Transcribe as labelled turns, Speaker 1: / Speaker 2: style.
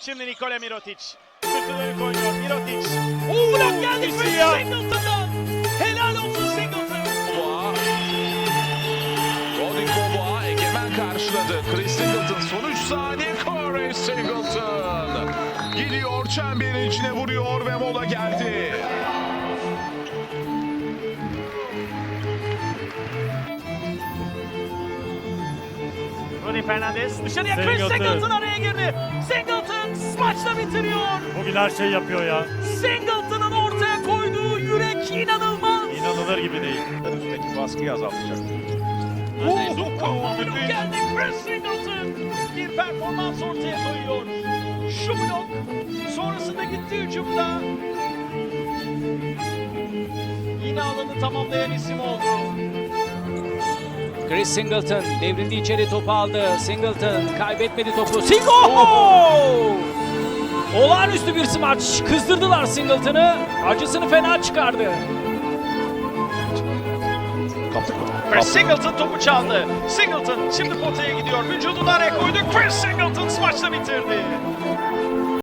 Speaker 1: Şimdi Nikola Mirotic. Sırtını koyuyor Mirotic.
Speaker 2: Blok geldi
Speaker 1: İkisi
Speaker 2: Chris
Speaker 1: ya.
Speaker 2: Singleton'dan. Helal olsun Singleton.
Speaker 3: Rodrigo Boğa egemen karşıladı. Chris Singleton son 3 saniye. Chris Singleton gidiyor, çemberin içine vuruyor ve mola geldi.
Speaker 1: Rudy Fernandez.
Speaker 2: Dışarıya Chris Singleton araya girdi. Singleton smaçla bitiriyor.
Speaker 4: Bugün her şeyi yapıyor ya.
Speaker 2: Singleton'ın ortaya koyduğu yürek inanılmaz.
Speaker 4: İnanılır gibi değil.
Speaker 5: Üstteki baskıyı azaltacak.
Speaker 2: Blok geldi Chris Singleton. Bir performans ortaya koyuyor. Şu blok sonrasında gitti hücumda. Yine alanı tamamlayan isim oldu.
Speaker 6: Chris Singleton devrildi, içeri topu aldı. Singleton kaybetmedi topu. Olağanüstü bir smaç. Kızdırdılar Singleton'ı. Acısını fena çıkardı.
Speaker 5: Kaptık mı?
Speaker 1: Chris Singleton topu çaldı. Singleton şimdi potaya gidiyor. Vücudunu araya koydu. Chris Singleton smaçla bitirdi.